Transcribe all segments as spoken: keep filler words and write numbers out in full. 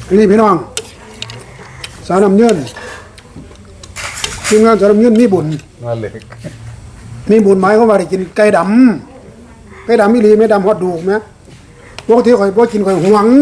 นี่พี่น้องสาวน้ำเงินทีมงานสาวน้ำเงินมีบุญมาเล็กมีบุญหมายเขามว่าได้กินไก่ดำไก่ดำมีหลีไม่ดำฮอดดูกไหมปกติข่อยบ่กินข่อยหวง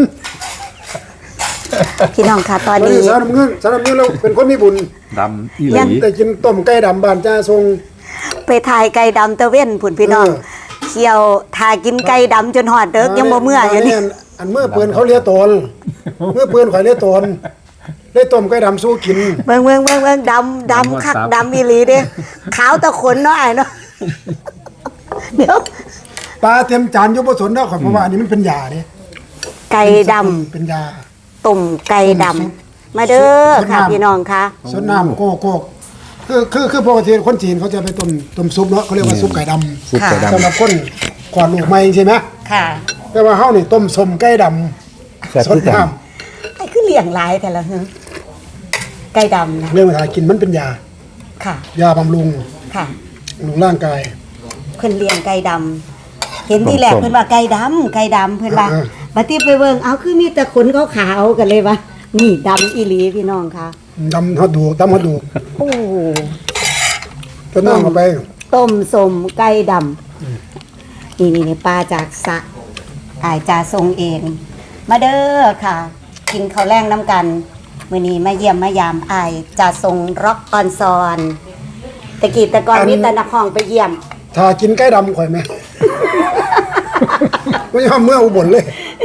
พี่น้องค่ะตอนวันนี้นี้สาวน้ำเงินสาวน้ำเงินเราเป็นคนมีบุญดำอีหลีได้กินต้มไก่ดำบ้านจ้าทรงไปถ่ายไก่ดำตะเว้นผุนพี่น้องเออเคี่ยวถ่ายกินไก่ดำจนหอดเด็กยังบ่เมื่ออยู่นี่อันเมื่อปืนเขาเลี้ยตนเมื่อปืนข่อยเลี้ยตนได้ต้มไก่ดำสู้กินเบิ่งเบิ่งเบิ่งเบิ่งดำดำคักดำอีหลีเด้ขาวตะขนเนาะไอ้เนาะเดี๋ยวปลาเต็มจานอยกผสนได้ข่อยเพราะว่าอันนี้มันเป็นยาเนี่ยไก่ดำเป็นยาต้มไก่ดำมาเด้อค่ะพี่น้องค่ะสดน้ำโกโก้คือคือคือปกติคนจีนเขาจะไปต้มต้มซุปเนาะเขาเรียกว่าซุปไก่ดำซุปไก่ดำสำหรับคนก่อนลูกใหม่ใช่ไหมค่ะแต่ว่าเฮานี่ต้มสมไก่ดแซ่บำสดที่กันน้ไอ้คือเลี้ยงหลายแต่ละหึไก่ดำนะำเรื่องเวลากินมันเป็นยาค่ะยาบำรุงค่ะบำรุงร่างกายเพิ่นเลี้ยงไก่ดำเห็นที่แรกเพิ่นว่าไก่ดำไก่ดำเพิ่นว่าเออบัดนี้ไปเบิ่งเอาคือมีแต่ขนขาวๆกันเลยว่านี่ดำอีหลีพี่น้องค่ะดำฮอดดูดำฮอดดูโอ้ต้นน้ำเข้าไปต้มสมไก่ดำนี่นี่นี่ปลาจากสระอายจาทรงเอง มาเด้อค่ะ กินข้าวแรงน้ำกันมื้อนี้มาเยี่ยมมายามอายจาทรงร็อกออนซอนตะกี้แตะกอนมีแต่นักห้องไปเยี่ยมถ้ากินไก่ดำข่อยไหม ไม่ยอมเมื่ออุบลเลย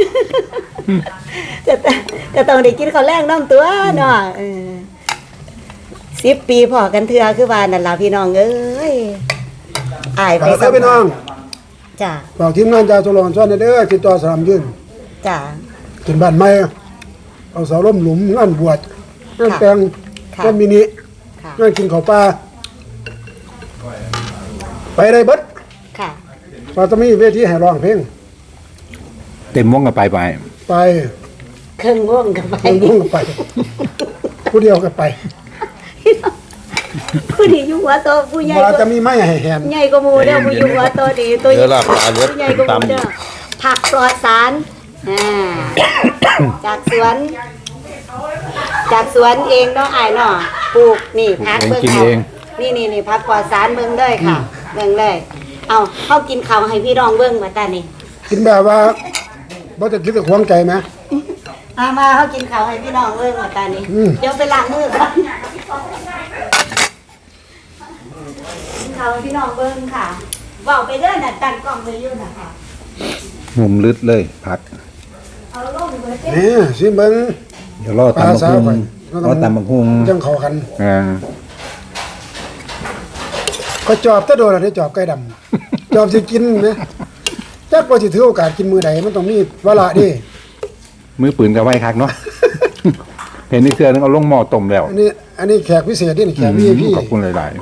ก็ต้องก็ต้องได้กินข้าวแรงน้ำตัวเนาะเออสิบปีพอกันเถื่อคือว่านั่นล่ะพี่น้องเอ้ยอายไปไปครับพี่น้องจ้ะบอกทีมงานจาตุลอนซ่อนเด้อติดต่อสนามยืนจ้ะถึงบ้านใหม่เอาเสาล้มหลุมงานบวชงานค่ะแต่งค่ะงานมินิค่ะงานกินข้าวปลาไปได้เบิดค่ะว่าจะมีเวทีให้ร้องเพลงเต็มวงกับไปไปไปเครื่องง่วงกันไปคนรุ่งก็ไป ผู้เดียวก็ไปผู้ดีอยู่หัวโตผู้ใหญ่ว่าก็จะมีไม้ให้แหนใหญ่ก็มูเด้อผู้อยู่หัวโตดีตัวใหญ่ผู้ใหญ่ก็มูเด้อผักปลอดสารอ่าจากสวน จากสวนเองเนาะอ้ายเนาะปลูกนี่ผักเบิ่งเอานี่นี่นี่ผักปลอดสารเบิ่งเลยค่ะเบิ่งเลยเอาเฮากินข้าวให้พี่น้องเบิ่งว่าตานี่กินแบบว่าบ่จะคิดจะควงใจไหมมามาเฮากินข้าวให้พี่น้องเบิ่งว่าตานี่อืมเดี๋ยวไปล้างมือก่อนกินข้าวให้พี่น้องเบิ่งค่ะเว้าไปเด้อน่ะตั้งกล้องไว้อยู่น่ะค่ะมุมลึดเลยพักเอาลงเบิดเด้อนี่สิเบิ่งเดี๋ยวรอตำบักฮุงรอตำบักฮุงจังเข้ากันอ่าก็จอบแตะโดนแล้วได้จอบไก่ดำ จอบสิกินไหมจักว่าสิถือโอกาสกินมื้อใดมันต้องมีเวลาดิมือปืนกับไว้คักเนาะ เห็นนี่เสื้อนึงเอาลงหม้อต้มแล้วอันนี้อันนี้แขกพิเศษนี่แขกอืวีมไอพีขอบคุณหลาย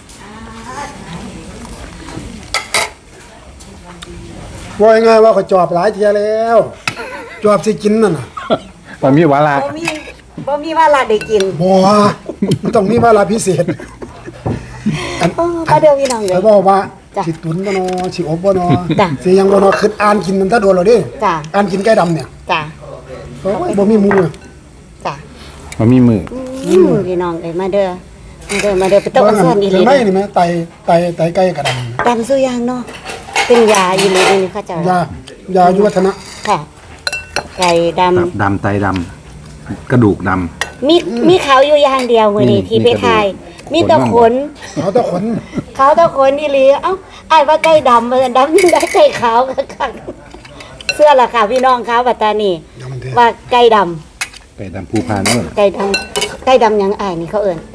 ว่าง่ายๆว่าเขาจอบหลายเทียแล้ว จอบสิกินนั่นน่ะๆตอนมีวาระบ่มีบ่มีว่าลาได้กินบ่มันต้องมีเวลาพิเศษอันโอ้ก็เดี๋ยวพี่น้องเลเขายบอกว่าจ้ะสิตุนบ่นอสิอบบ่นอจ้ะสิยังบ่นอคืออ่านกินมันถ้าโดนแล้วดิจ้ะอ่านกินไก่ดำเนี่ยจ้ะโอ้ยบ่มีหมูอะจ้ะมันมีมืออืมพี่น้องเอ้ยมาเด้อมาเด้อมาเด้อไปต้องเอาส่วนอีหลีไม่เด้อนี่แม่ไตไตไตไก่กระดำตำสุยางเนาะเป็นยาอีหลีนี่เขาเจ้ายายายุวัฒนะค่ะ ไก่ดำตับดำไตดำกระดูกดมีมีเขาอยู่อย่างเดียวมื้อนี้มีที่ไปมีกระดูกถ่ายมีแต่ขนเขาตะขนเขาแต่ขนอีหลีเอ้าอ้ายว่าไก่ดำมันดำยังได้ไก่ขาวคักๆเสื้อล่ะค่ะพี่น้องคะบัดตานี่เดี๋ยวมันเถอะว่าไก่ดำำไก่ดำภูพานเนอะไก่ดำไก่ดำหยังอ้ายนี่เขาเอิ้น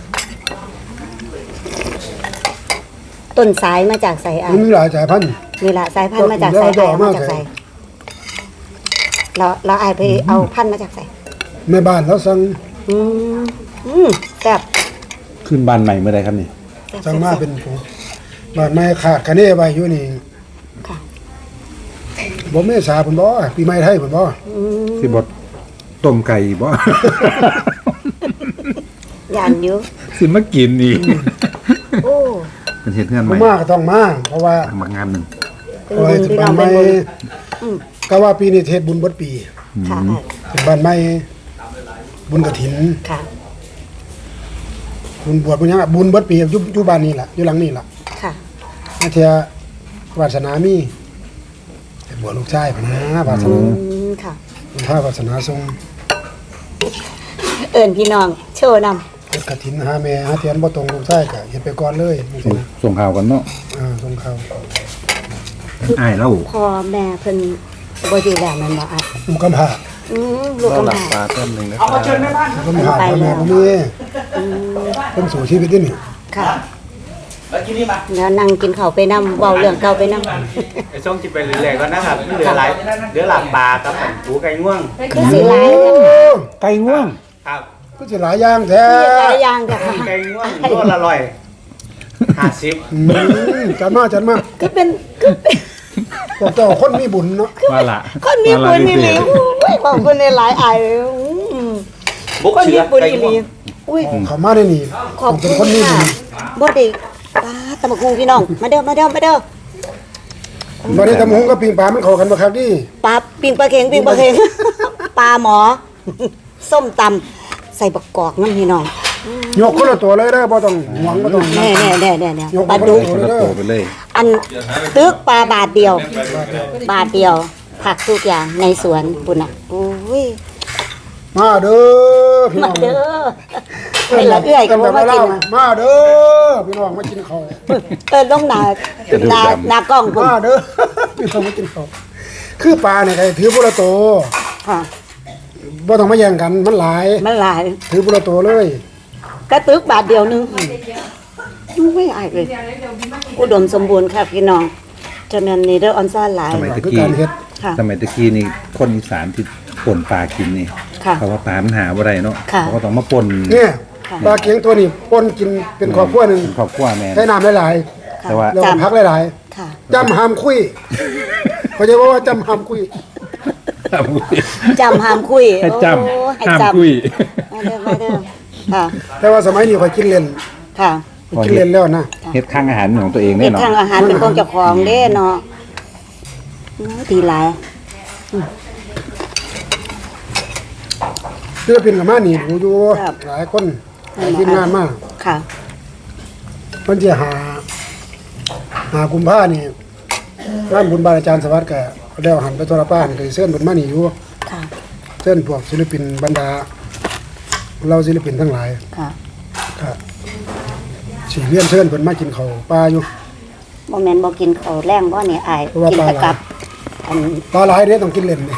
ต้นสายมาจากไสอ้ามันยมีหลายสายพันธุ์นี่ล่ะสายพันธุ์มาจากไสแล้วจะอ้ายเอามามาจากไสใส่เราเราอ้ายไปเอาพันธุ์มาจากไสแม่บ้านแล้วสั่งอืมอืมแซ่บขึ้นบ้านใหม่เมื่อไรครับนี่แซ่บสั่งมาแซ่บเป็นผู้บ้านไม้ขาดคะเนไว้อยู่นี่ค่ะบ่เมษาพุ่นบ่ปีใหม่ไทยพุ่นบ่อืมสิบดต้มไก่บ่ย่านอยู่สิมากินอีกโอ้เป็นเห็ดเงื่อนใหบ่ม่มาก็ต้องมาเพราะว่าทำมางานหนึ่งเป็นเอาบุไว้ญสิพี่น้บ้าอน งใหเป็ม่นบุญอืมก็ว่าปีนี้เทศบุญเบิดปีค่ะสิบ้านใหม่บุญกฐินค่ะบุญบวชบุญหยังอะบุญเบิดปีอยู่อยู่บ้านนี่ล่ะอยู่หลังนี่ล่ะค่ะอาเทียวาสนามีไปบวชลูกชายพะนะวาสอืนามค่ะพระวาสนาทรงเอิญพี่น้องโชว์นำเฮ็ดกฐินหาแม่หาเทียนบ่ตรงลูกชายก็เฮ็ดไปก่อนเลยจังซี่นะส่งข่าวกันเนาะอ่าทรงเขาอ้ายเล่าพ่อแม่เพิ่นบ่อยู่แล้วแม่นบ่อ่ะลูกกำพร้าอืมลูกกำพร้าลูกกำพร้าพ่อแม่บ่มีเพิ่นสู่ชีวิตนี่นี่ค่ะแล้วนั่งกินข้าวไปนำเว้าเรื่องเก่าไปนำไอ้ช่องจิบไปเรื่อยๆก็นะครับเหลือหลายเหลือหลับปลากับหูไก่ง่วงคือสิหลายจังไก่ง่วงครับก็สิหลายอย่างแท้หลายอย่างจ้ะค่ะไก่ง่วงตัวละร้อยห้าสิบอืมจัดมาจัดมาก็เป็นก็เป็นพวกเจ้าคนมีบุญเนาะว่าละคนมีบุญนี่หลีโอ้ยบอกคนในหลายอายอืมบุกคนเชืมีอบุญไก่อีหง่วลีงอุ้ยเขามาได้นี่ขอบเป็คุนคนณมีบุค่ะญบ่ได้ป้าตะมะคุงพี่น้อง มาเด้อมาเด้อมาเด้อบ่ได้ทำหงกับปิงปลามันเข้ากันบ่ครับดิปลาปิ้งปลาเค็งปิ้งปลาเค็ง ปลาหมอ ส้มตำใส่บักกอกน้ำพี่น้องยกคนละตัวเลยเด้อบ่ต้องหวงบ่ต้องแน่แน่แน่แน่แน่ยกปลาคนดุละกตัวคนเลยละเด้โตอไปเลยอันตึกปลาบาทเดียว บาทเดียว ผักทุกอย่างในสวนปุ่นอ่ะโอ้ยมาเด้อพี่น้มาองเด้อไปละเอื้อยก็กันบ่แบบมาว่ากิเรานมาเด้อพี่น้องมากินข้าวเออลงหน้าหน้าหน้ากล้องพุ่นมาเด้อ พี่น้องมากินข้าวคือปลาเนี่ยใครถือบุระโตวค่ะบ่ต้องมาแย่งกันมันหลายมันหลายถือบุระโตวเลยกระตึกบาทเดียวหนึงไม่อายเลยอุดมสมบูรณ์ค่ะพี่น้องจะแม่นนี่เด้อออนซ่าหลายสมัยตะคือกี้การเฮ็ดค่ะสมัยตะกี้นี่คนอีสานที่ป่นปลากินนี่ค่ะเพราะว่าปลามันหาบ่ได้เนาะค่ะเขาก็ต้องมาป่นเนี่ยค่ะปลาเกียงตัวนี้ปนกินเป็นครอบครัวหนึงเป็นครอบครัวแม่นใช้น้ำหลายค่ะแต่ว่าๆแล้วก็จำพักหลายค่ะๆจำห้ามคุยเขาจะว่าจำห้ามคุยจำห้ามคุยให้จโอ้ให้ำห้ามจำคุยมาเด้อมาเด้อค่ะแต่ว่าสมัยนี้ข่อยกินเล่นค่ะกินเล่นแล้วนะเฮ็ดข้างอาหารของตัวเองเฮ็แน่ดเนาะทางอาหารเป็นของเจ้าของเด้เนาะโอ้ดีหลายศิลปินกับมานี่ดูอยู่หลายคนหลายทีมงานมากค่ะมันจะหา หากุมภานี่งานบุญบาลอาจารย์สวัสดิ์ก็แล้วหันไปโทรป้านก็สิเชิญเพิ่นมานี่อยู่ค่ะเชิญพวกศิลปินบรรดา เราศิลปินทั้งหลายค่ะก็สิเรียนเชิญเพิ่นมากินข้าวปลาอยู่บ่แม่นบ่กินข้าวแรงบ่นี่อายเพราะว่ากินปลาแต่หลายกับอันปลาหลายเด้ต้องกินเล่นนี่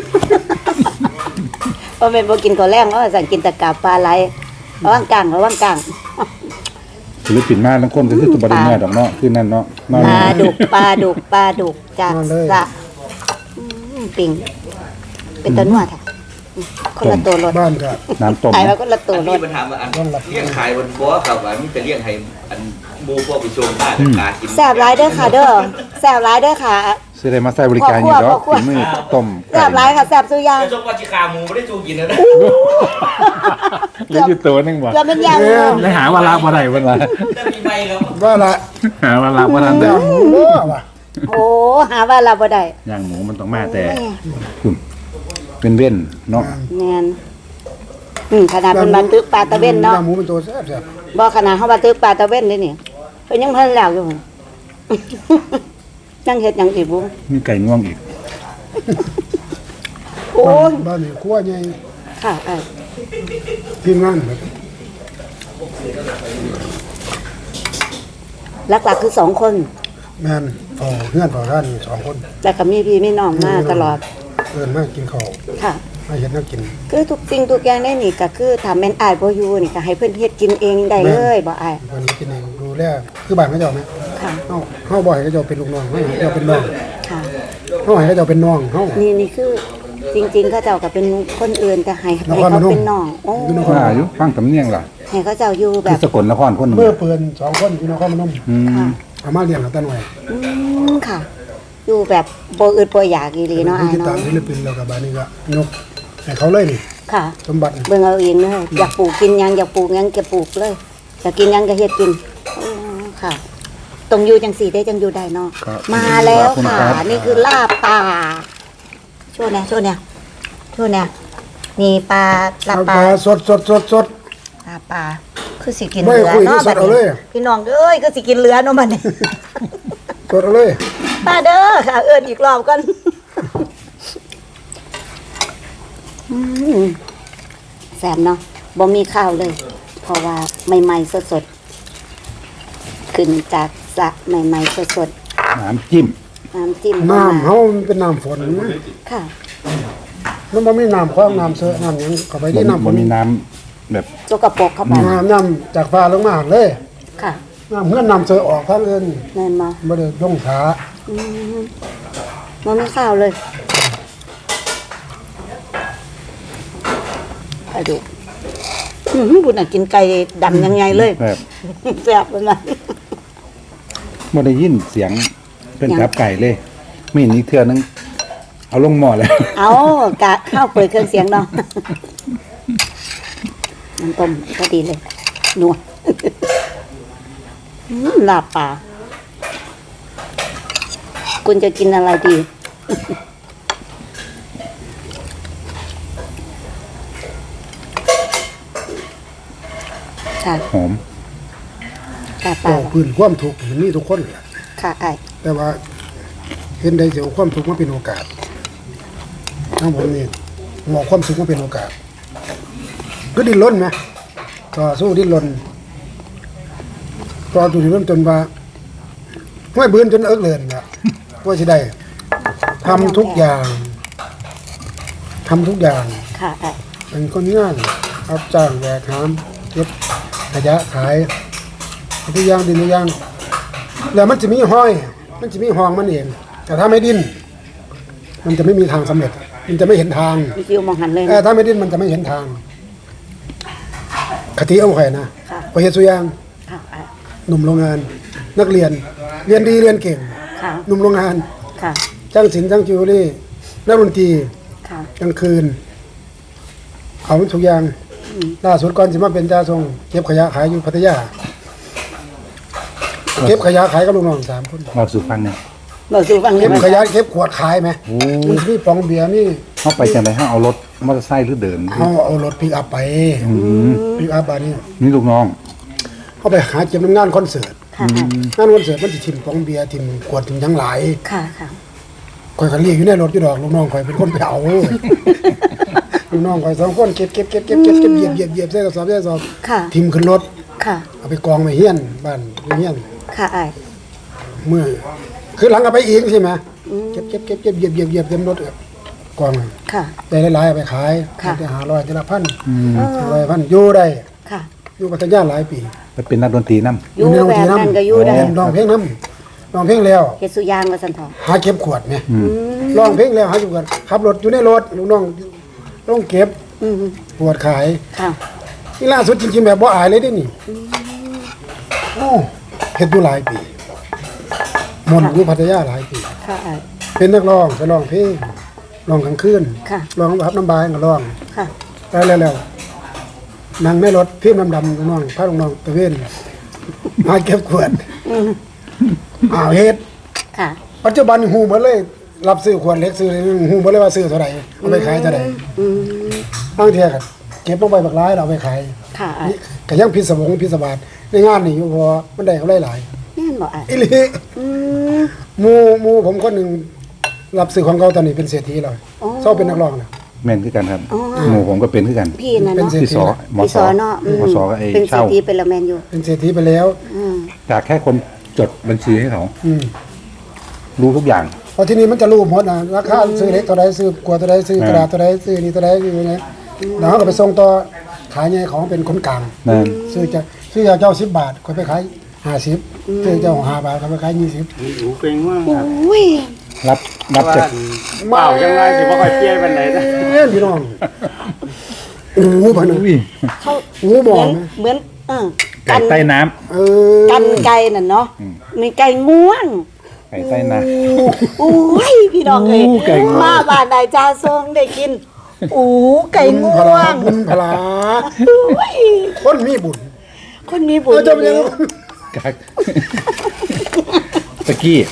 บ่แม่นบ่กินข้าวแรงเพราะว่าสั่งกินแต่กับปลาไหลระวังกลางระวังกลางศิลปินมาทั้งคนก็คือตัวบริเมื่อดอกเนาะคือนั่นเนาะนอนปลาดุกปลาดุกปลาดุกจากสระอืมปิ่งเป็นตัวนัวค่ะอืมคนละตัวรถบ้านก็น้ำต้มขายแล้วคนละตัวอันรนี้ถปัญหาว่าอันเลี้ยงขายบนบ่อครับว่ามีแต่เลี้ยงให้อันหมูพวกไปชมบ้านกากินแซ่บหลายเด้อค่ะเด้อแซ่บหลายเด้อค่ะสิได้มาใช้บริการอยู่ดอกพ่อครัวฝีมือต้มแซ่บหลายค่ะแซ่บสุดอยางแต่ชมว่าจิขาหมูไม่ได้จูกินนะนะเหลืออยู่ตัวหนึงบ่เกือบเป็นยางเลยได้หาว่าลาบ่ได้เพิ่นว่าแต่มีใบครับว่าละหาว่าลาบ่ทันได้ย่างหมูเด้อว่ะโอ้หาว่าเราบ่ได้ย่างหมูมันต้องมาแต่คุณเป็นเว้นเนาะแม่นอืมขนาดเป็นมาตึกปลาตะเว้นเนาะย่างหมูเป็นตัวแซ่บบ่ขนาดเฮาว่าตึกปลาตะเว้นนี่นี่เพิ่นยังเพิ่นแล้วอยู่ ยังเฮ็ดหยังอีกบ่มีไก่ง่วงอีกโอ้ยบ้านนี่ครัวใหญ่ค่ะเอ้ยทีมงานแบบหลักๆคือสองคนแม่นเฝ้าเพื่อนเฝ้าท่านสองคนแล้วก็มีพี่มีน้องมาตลอดเอิ้นมากินข้าวค่ะมาเฮ็ดแนวกินคือทุกสิ่งทุกอย่างในนี่ก็คือถ้าแม่นอ้ายบ่อยู่นี่ก็ให้เพิ่นเฮ็ดกินเองได้เลยบ่อ้ายเพิ่นกินเองดูแลคือบ้านเขาเจ้าไหมค่ะเฮาเฮาบ่ให้เขาเจ้าเป็นลูกน้องเฮาให้เขาเจ้าเป็นน้องค่ะเฮาให้เขาเจ้าเป็นน้องเฮานี่นี่คือจริงๆเขาเจ้าก็เป็นคนอื่นแต่ให้นให้ครพเขานมเป็นน้องโอ้อยู่นครว่าอยู่ฟังสำเนียงล่ะให้เขาเจ้าอยู่แบคือบ สกลนครคนหนึงเมื่อเปืนสองคนอยู่นครพนมอืมค่ะเอามาเลี้ยงเอาแต่น้อยอืมค่ะ อยู่แบบบ่อึดบ่อยากอีหลีเนาะผู้อ้ายติดตามเนาะศิลปินแล้วก็บ้านนี้ก็ยกให้เขาเลยนี่ค่ะสมบัติเบิ่งเอาเองเลยอยากปลูกกินหยังอยากปลูกหยังก็ปลูกเลยอยากกินหยังก็เฮ็ดกินอ๋อค่ะตรงอยู่จังสี่ได้จังอยู่ได้เนาะครับมาแล้วขอบณค่ะรับนี่คือลาบป่าโชว์เนี่ยโชว์เนี่ยโชว์เนี่ยนี่ปลาลาเอาปปลาลาสดสดสดสดลาปลาคือสิกินไม่เรือคุยเนาะที่สบัดดเอาเลนี้ยพี่น้องเอ้ยคือสิกินเรือเนาะบัดนี้สดเอาเลยป้าเด้อค่ะเอิ้นอีกรอบก่อนอืมแซ่บเนาะบ่มีข้าวเลย เพราะว่าใหม่ๆสดๆขึ้นจากสระใหม่ๆสดน้ำจิ้มๆน้ำจิ้มก็น้ำมาเฮามันเป็นน้ำฝนค่ะมันบ่มีน้ำคลองน้ำเสือน้ำหยังเข้าไปที่น้ำฝมัน นมีน้ำแบบสกปรกเข้าไปน้ำน้ำจากฟ้าลงมาเลยค่ะน้ำเพื่อนน้ำเสือออกทางอื่นแม่นบ่บ่ได้ลงขาอืมบ่มีข้าวเลยไปดูอือบุญน่ะกินไก่ดำยังไงเลยแบบแซ่บเลยนะไม่ได้ยินเสียงเป็นกับไก่เลยไม่เห็นอีกเทือนึงเอาลงหม้อแล้วเอากะข้าวเปิดเครื่องเสียงเนาะน้ำต้มก็ดีเลยนัวอืมลาบปลาคุณจะกินอะไรดี ค่ะหอมลาบปก็ลาพื้นความทุกข์มันมีทุกคนแหละค่ะไอ้แต่ว่าเห็นได้เสียความทุกข์มาเป็นโอกาสทั้งผมนี่มองความสุขมาเป็นโอกาสก็ดิ้นรนไหมก็สู้ดิ้นรนก็จุดที่เริ่มจนว่าไม่เบื่อจนเอิกเลินเนี่ยว่าจะได้ทำทุกอย่างทำทุกอย่างค่ะไอ้เป็นคนงานรับจ้างแบกหามเก็บขยะขายทุกอย่างดินทุกอย่างแล้วมันจะมีห้อย มันจะมีห้องมันเอง แต่ถ้าไม่ดิ้นมันจะไม่มีทางสำเร็จ มันจะไม่เห็นทางมีฟิวมองหันเลยเออนะถ้าไม่ดิ้นมันจะไม่เห็นทางคติเอาไข่นะค่ะพอเฮ็ดสุอยางค่ะไอ้หนุ่มโรงงาน นักเรียน เรียนดีเรียนเก่งค่ะหนุ่มโรงงานค่ะจ้างศิลป์จ้างจิวเวลรี่นักดนตรีค่ะกลางคืนเขาทุกอย่างล่าสุดก่อนสิมาเป็นจ่าทรงเก็บขยะขายอยู่พัทยา เก็บขยะขายกับลูกน้องสามคนเราสู่ฟังเนี่ยบอกสู่ฟังเลเก็ยบมั้ยขยะเก็บขวดขายไหมโอ้มันสิมีปองเบียร์นี่เข้าไปจังไรให้เอารถมอเตอร์ไซค์หรือเดินเขาเอารถปิกอัพไปอืมปิกอัพบานี่นี่ลูกน้องเขาไปหาเก็บน้ำงานคอนเสิร์ตค่ะไอ้งานคอนเสิร์ตมันจะทิมปองเบียร์ทิมขวดทิมหยังหลายค่ะค่ะคอยกันเรียกอยู่ในรถอยู่ดอกลูกน้องคอยเป็นคนไปเอาลูกน้องคอยสองคนเก็บเก็บเก็บเก็บเก็บเก็บเหยียบเหยียบเหยียบใส่กระสอบใส่กระสอบค่ะทิมขึ้นรถค่ะเอาไปกองไปเฮี้ยนบ้านเฮี้ยนค่ะไอ้เมื่อคือหลังเอาไปอีกใช่ไหมเก็บเก็บเก็บเก็บเหยียบเหยียบเหยียบเต็มรถอะกองค่ะได้หลายๆเอาไปขายค่ะได้หาร้อยได้ละพันอืมห้าร้อยพันอยู่ได้ค่ะอยู่พัทยาหลายปีไปเป็นนักดนตรีน้อยู่แบบนั้นก็อยู่ได้ร้องเพลงน้ำร้องเพลงแล้วเฮ็ดสุยางว่าซั่นเถาะหาเก็บขวดไหมำอืมร้องเพลงแล้วหาอยู่กันขับรถอยู่ในรถลูกน้องต้องเก็บอืมขวดขายค่ะนี่ล่าสุดจริงๆแบบบ่อายเลยเด้นี่โอ้เฮ็ดอยู่หลายปีมนต์อยู่พัทยาหลายปีค่ะไอ้เป็นนักร้องไปร้องเพลงร้องกลางคืนค่ะร้องรับน้ำบายก็ร้องค่ะไปแล้วแล้วนั่งในรถพี่น้ำดำลูกน้องพาลูกน้องตะเวนมาเก็บขวดอืมอ้าวเฮ็ดค่ะปัจจุบันหูหมดเลย รับซื้อขวดเล็กซื้อหูหมดเลยว่าซื้อเท่าไหร่เอาไปขายเท่าไหร่อืมบางเทียก็เก็บลงไปบักร้ายเราเอาไปขายค่ะไอ้นี่ก็ยังพิศวงพิศวาสในงานนี่อยู่เพอมันได้กำไรหลายแม่นบ่ไอ้อีหลีอืมหมู่หมู่ผมคนหนึงรับซื้อของเขาตอนนี้เป็นเศรษฐีแล้วอ๋อชอบเป็นนักร้องนะแม่นคือกันครับอ๋อหมู่ผมก็เป็นคือกันพี่น่ะเป็นเนาะเศรษพี่ฐีสอหมอพี่สสออเนาะอืหมอสอก็ไอ้เป็นเศรษเช่าฐีเป็นละแมนอยู่เป็นเศรษฐีไปแล้วอืมจากแค่คนจดบัญชีให้เขาอืมรู้ทุกอย่างเพราะที่นี่มันจะรู้หมดนะราคาซื้อเล็กเท่าไรซื้อกลัวเท่าไรซื้อกระดาษเท่าไรซื้อนี่เท่าไรอยู่เนี่ยแล้วเขาก็ไปส่งต่อขายไงของเป็นคนกลางนั่นซื้อจะซื้อจากเจ้าสิบบาทเขาไปขายห้าสิบซื้อเจ้าห้าบาทเขาไปขายยี่สิบหูเป็นว่างครับอุ้ยรับรับว่าจากเปล่าจังไรสิบ่ค่อยเปลี่ยนปานใดนะเอ้ยพี่น้องโอ้โหพันอุ้ยเขาโอ้โหมเหอมือง นเหมือนเออไก่ใต้น้ำเออกันไก่น่ะเนาะมีไก่ง่วงไก่ใต้น้โอ้ยพี่น้องเอ้ยอู้ไก่ง่วงมาบ้านนายจ้าทรงได้กินอู้ไก่บุญง่พวลาง บุญพลาอุ้ยคนมีบุญคนมีบุเอญอเจะเป็นยังไงำกักตะกี้เฮ็ดบุญ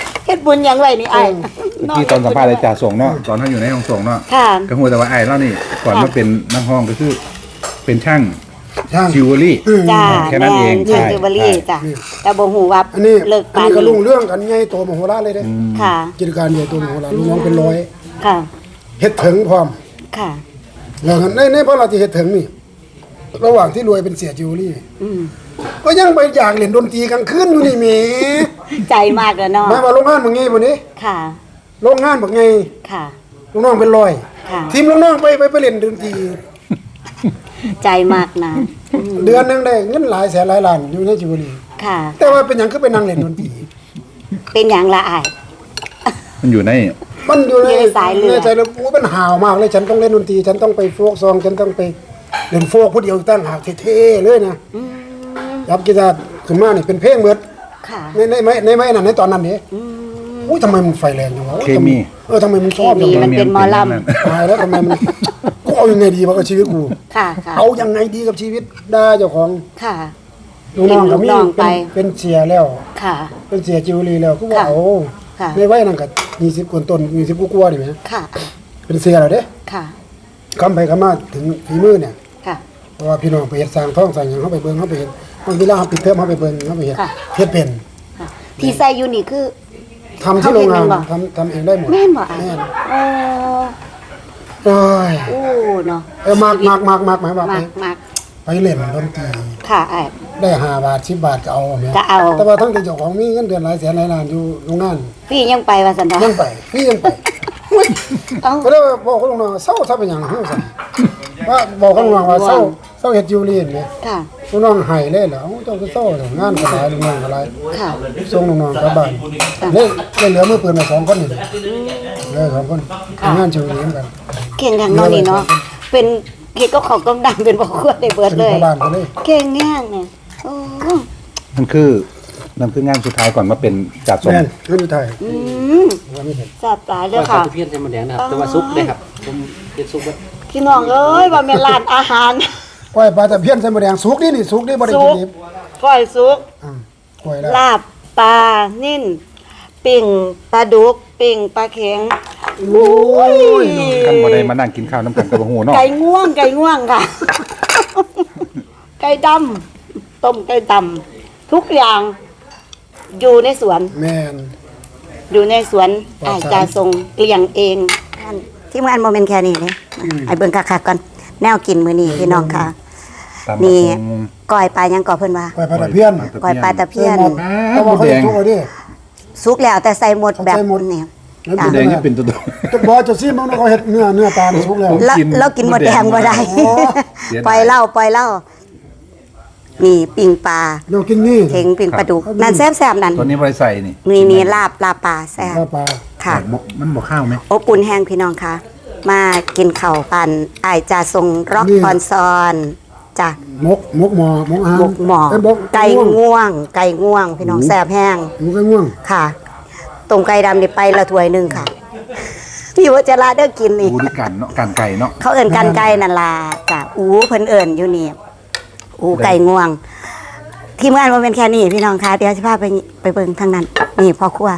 บุญยังไว้นี่ไอ้ที่ตอนสัมภาษณ์อาจารย์ส่งเนาะตอนเขาอยู่ในห้องส่งเนาะค่ะก็หัวแต่ว่าไอ้เล่านี่ก่อนมาเป็นนักห้องก็คือเป็นช่างช่างจิวเวลรี่จ้าแค่นั้นเองแม่ช่างใช่จิวเวลรี่ใช่จ้ะแต่บ่ฮู้ว่าอันนี้เลิกอันปานนี้ก็นี้ลุงเรื่องกันใหญ่โตมโหฬารเลยเด้ค่ะกิจการใหญ่โตมโหฬารลูกน้องเป็นร้อยค่ะเฮ็ดถึงพร้อมค่ะแล้วกันในในเพราะเราที่เฮ็ดถึงนี่ ระหว่างที่รวยเป็นเสียจิวเวลรี่อืมก็ยังไปอยากเล่นดนตรีกลางคืนอยู่นี่แหมใจมากแล้วเนาะหมายว่าโรงงานบ่ไงบ่นี้ค่ะโรงงานบ่ไงค่ะลูกน้องเป็นร้อยค่ะทีมลูกน้องไปไปไปเล่นดนตรีใจมากนะอืมเดือนหนึงได้เงินหลายแสนหลายล้านอยู่ในจิวเวลรี่ค่ะแต่ว่าเป็นหยังคือไปนั่งเล่นดนตรีเป็นอย่างละอายมันอยู่ในมันอยู่ในอยู่ในสายเลือดในสายเลือดโอ้เป็นห่าวมากเลยฉันต้องเล่นดนตรีฉันต้องไปโฟกซองฉันต้องไปเล่นโฟกผู้เดียวตั้งหากเท่ๆเลยนะอืมยับกีตาร์ขึ้นมานี่เป็นเพลงเบิดค่ะในในในในไม้นั่นในตอนนั้นนี่อืมอุ้ยทำไมมันไฟแรงจังวะเคมีเออทำไมมันชอบเคมีจังมันวะเป็นหมอลำตายแล้วทำไมมันกูเอายังไงดีวะกับชีวิตกูค่ะค่ะเอายังไงดีกับชีวิตได้เจ้าของค่ะลูกน้องก็มีลูกน้องไปเป็นเป็นเสียแล้วค่ะเป็นเสียจิวเวลรี่แล้วก็ว่าค่ะโอ้ค่ะในวัยนั้นก็ยี่สิบกว่าต้นยี่สิบกว่าๆนี่แหมค่ะเป็นเสียแล้วเด้ค่ะคำไปคำมาถึงฝีมือเนี่ยค่ะเพราะว่าพี่น้องไปเฮ็ดสร้างท้องสร้างหยังเขาไปเบิ่งเขาไปเห็นบางเวลาเขาปิดเทอมเขาไปเบิ่งเขาไปเฮ็ดค่ะเฮ็ดเป็นค่ะ ที่ใส่อยู่นี่คือทำที่โรงงานเขาเฮ็ดเป็นบ่ทำทำเองได้หมดแม่นบ่อ่ะแม่นโอ้โอ้ยโอ้เนาะเออมากมากมากมากหมายว่าไปมากมากไปเล่นดนตรีค่ะไอ้ได้ห้าบาทสิบบาทก็เอาแม่ก็เอาแต่ว่าทั้งที่เจ้าของมีเงินเดือนหลายแสนหลายล้านอยู่โรงงานพี่ยังไปว่าสันดายังไปพี่ยังไปเอ้าก็เลยบอกเขาลงน้องว่าเศร้าถ้าเป็นหยังเฮาซั่นว่าบอกเขาลงน้องว่าเศร้าเศร้าเฮ็ดจิวเวลรี่นี่ค่ะลูกน้องให้เลยเหรอเอ้าเจ้าก็เศร้าเหรองานก็หลายลูกน้องก็หลายค่ะส่งน้องๆกลับบ้านเลยเลยเหลือมือปืนมาสองคนนี่เหลือสองคนทำงานจิวเวลรี่เหมือนกันเก่งอย่างเนอนนี่เนาะ เป็นเกี่ยวกับของต้มดำเป็นบ่อขวดได้เบิดเป็นเลยพ่อบ้านกันเลยเก่งแง่งเนี่ยโอ้นั่นคือนั่นคืองานสุดท้ายก่อนมาเป็นจัดส่งแม่นเงินอยู่ไทยอืมว่าไม่เห็นแซ่บหลายเด้ก็อขาวค่ะตะเพียนใส่หมันแดงนะครับ แต่ว่าซุปเลยครับ ผมเป็นซุปว่าพี่น้องเอ้ยว่าแม่นร้านอาหารกล้วยปลาตะเพียนใส่หมูแดงสุกนี่นี่สุกนี่บ่ได้สุกินกดิบก้อยสุกอ่ากล้วยแล้วลาบปลานิ่นปิ่งปลาดุกปิ่งปลาเข็งโอ้ยขั้นบ่ได้มานั่งกินข้าวน้ำกันกับหัวเนาะไก่ง่วงไก่ง่วงค่ะ ไก่ดำต้มไก่ดำทุกอย่างอยู่ในสวนแม่นอยู่ในสวนปลออาดสารจจะทรงเลี้ยงเองที่งานโมเมนต์แค่นี้เลยไอ้เบิ่งคักๆก่อนแนวกินมื้อนี้พี่น้องค่ะตามนี่บักหุ่งก้อยปลายังก่อเพิ่นว่ากล้วยปลาตะเพียนก้อยปลาตะเพียนหมดแต่ว่าเขาจะสุกเอาดิสุกแล้วแต่ใส่หมดแบบใส่หมดนี้แล้วหมูแดงนี่เป็นตัวจะบอกจะซิมันเขาเฮ็ดเนื้อเนื้อปลานี่สุกแล้วแล้วกินแล้วกินหมดแดงบ่ได้อ๋อเสียดายปล่อยเหล้าปล่อยเหล้านี่ปิ่งปลาเรากินนี่เข็งปิ่งปลาดุกนั่นแซ่บๆนั่นตัวนี้บริใส่นี่นี่นี่ลาบลาบปลาแซ่บปลาปลาค่ะมันบอกข้าวไหมอบอุ่นแห้งพี่น้องค่ะ มากินข้าวกันอายจะทรงร็อกออนซอนจ้ะมกมกหมอมกอาหารหมกหมอเอ้ยมไก่ง่วง ไก่ง่วง พี่น้องแซ่บแห้งหมูไก่ง่วงค่ะต้มไก่ดำนี่ไปละถ้วยหนึงค่ะ พี่ว่าจะลาเด้อกินนี่อูด้วยกันเนาะกันไก่เนาะเขาเอิ่นกันไก่นั่นล่ะจ้ะอูเพิ่นเอิ่นอยู่นี่อูไก่ง่วง ทีมงานบ่เป็นแค่นี้พี่น้องค่ะเดี๋ยวสิพาไปไปเบิ่งทางนั้น นี่พ่อครัว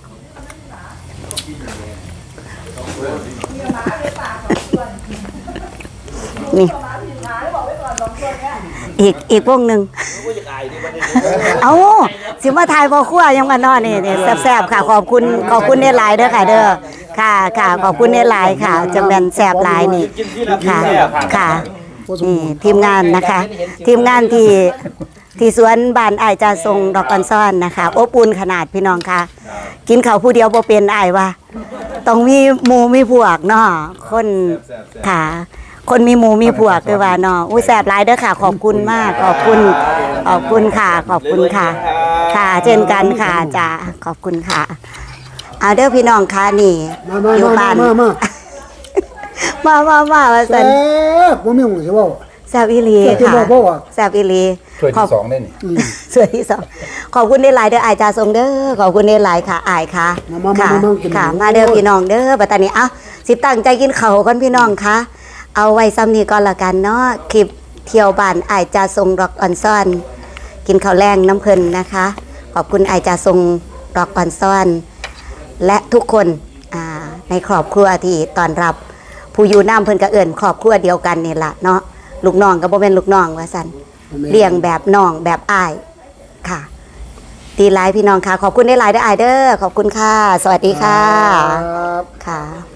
นี่ อีกอีกวงหนึ่ง เอาสิมาถ่ายพ่อครัวยังมานอนนี่นี่แซ่บๆค่ะ ขอบคุณขอบคุณเนหลายเด้อค่ะ เด้อค่ะค่ะขอบคุณเนหลายค่ะจังแม่นแซ่บหลายนี่ค่ะค่ะนี่ทีมงานนะคะ ทีมงานที่ที่สวนบ้านอ้ายจาทรงดอกกันซ่อนนะคะอบอุ่นขนาดพี่น้องค่ะ กินข้าวผู้เดียวบ่เป็นอ้ายว่า ต้องมีหมู่มีพวกเนาะคนค่ะ คนมีหมูมีพวกคือว่าเนาะอุ้ยแซ่บหลายเด้อค่ะ ขอบคุณมาก ขอบคุณ ขอบคุณค่ะ ขอบคุณค่ะ ค่ะเช่นกันค่ะจ้าขอบคุณค่ะเอาเด้อพี่น้องค่ะนี่มามาอยู่มาบ้านมามามามามาว่าแซ่ซั่นบบ่มีหมูสิเว้าแซ่บอีหลีแซ่บที่ค่ะบอกบ่ว่าแซ่บอีหลีถ้วยขอที่บสองได้นี่ส่วนที่สองขอบคุณได้หลายเด้ออายจาทรงเด้อขอบคุณได้หลายค่ะอายค่ะมามาค่ะมามากินค่ะหมูมาเด้อพี่น้องเด้อบัดตานี้เอ้าสิตั้งใจกินข้าวก่อนพี่น้องค่ะเอาไว้ซ้ำนี้ก่อนละกันเนาะคลิปเที่ยวบ้านอายจาทรงร็อกออนซ่อน กินข้าวแรงน้ำเพลินนะคะ ขอบคุณอายจาทรงร็อกออนซ่อนและทุกคนอ่าในครอบครัวที่ต้อนรับผู้อยู่น้ำเพิ่นก็เอิ้นครอบครัวเดียวกันนี่ล่ะเนาะลูกน้องก็บ่แม่นลูกน้องว่าซั่นเลี้ยงแบบน้องแบบอ้ายค่ะดีหลายพี่น้องค่ะขอบคุณได้หลายเด้ออ้ายเด้อขอบคุณค่ะสวัสดีค่ะครับค่ะ